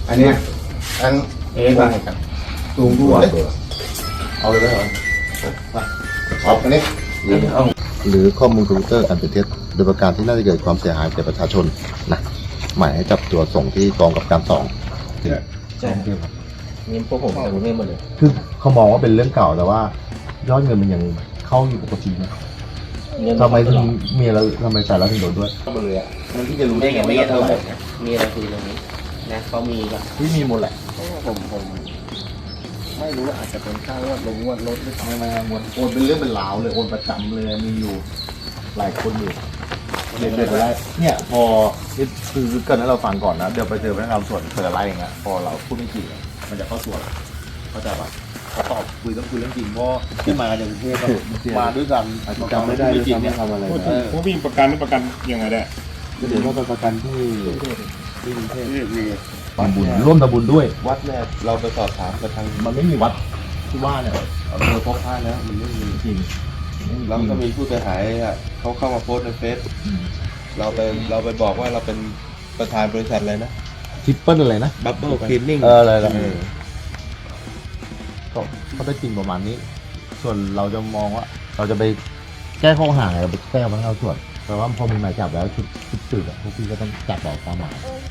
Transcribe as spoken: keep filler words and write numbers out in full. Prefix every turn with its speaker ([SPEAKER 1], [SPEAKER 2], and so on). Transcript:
[SPEAKER 1] อันเนี้ยอัน
[SPEAKER 2] เอ๊ะว่าไงครับ
[SPEAKER 1] ตูงตัวเอาเลยไหมเหรอเอาอันนี้
[SPEAKER 2] หรือเอา
[SPEAKER 3] หรือข้อมูลคอมพิวเตอร์อันเป็นเท็จโดยประการที่น่าจะเกิดความเสียหายแก่ประชาชนนะหมายให้จับตัวส่งที่กองกับการสอง
[SPEAKER 2] ใช่ครับนี่พวกผมจะรู้เรื่องหมดเลย
[SPEAKER 3] คือเขามองว่าเป็นเรื่องเก่าแต่ว่ายอดเงินมันยังเข้าอยู่ปกตินะทำไมถึงมีอะไรทำไมแต่ละถึงโดนด้วย
[SPEAKER 1] เข้ามาเลยอ่ะมันที่จะรู้
[SPEAKER 2] ได้
[SPEAKER 1] ได้
[SPEAKER 2] ไง
[SPEAKER 1] ไง
[SPEAKER 2] ไม่
[SPEAKER 1] ไม่
[SPEAKER 2] เท่า
[SPEAKER 1] เท่า
[SPEAKER 2] ไห
[SPEAKER 1] ไห
[SPEAKER 2] ร่
[SPEAKER 1] ร่
[SPEAKER 2] มีอะไรคุยตรงนี้นะเขามีก็
[SPEAKER 3] ที่มีหมดแหละ
[SPEAKER 2] ผมผมไม่รู้ว่าอาจจะเป็นค่างวดลงงวดลดหรือเปล่า
[SPEAKER 3] ไม่ไม่โอนโอนเป็นเรื่องเป็นราวเลยโอนประจำเลยมีอยู่หลายคนอยู่เด็ดๆไปได้เนี่ยพอนี่คือเกิดให้เราฟังก่อนนะเดี๋ยวไปเจอพนักงานส่วนเปิดอะไรอย่างเงี้ยพอเราพูดไม่จริงอะมันจะเข้าส่วนเข้าใจป่ะเขาตอบคุยต้องคุยเรื่องจริงเพราะที่มาจากกรุงเทพอะมาด้วยกันจำไม่ได้ด้วยซ้ำว่าทำอะไร
[SPEAKER 4] พูดถึงผู้มีประกันไม่ประกันยังไงได้
[SPEAKER 3] เดี๋ยวเราไปประกันที่ที่กรุงเทพ
[SPEAKER 4] ที่มี
[SPEAKER 3] ทำบุญร่วมทำบุญด้วย
[SPEAKER 1] วัดเนี่ยเราไปสอบถามกับทาง
[SPEAKER 3] มันไม่มีวัดที่ว่าเนี่ย
[SPEAKER 1] อำเภอพบพระแล้วมันไม่มี
[SPEAKER 3] จริง
[SPEAKER 1] แล้วก็มีผู้เสียหายอ่ะเขาเข้ามาโพสต์ในเฟซเราไปเราไปบอกว่าเราเป็นประธานบริษัทอะไรนะ
[SPEAKER 3] ทริปเปิลอะไรนะ
[SPEAKER 1] บับเบิ้ลคลีนนิ่ง
[SPEAKER 3] เอออะไรนะก็ก็ได้จริงประมาณนี้ ส่วนเราจะมองว่า เราจะไปแก้ข้อหาอะไรเราไปแก้มาให้เราส่วนแต่ว่าพอมีหมายจับแล้วชุดชุดสืบอะพวกพี่ก็ต้องจับออกตามหมาย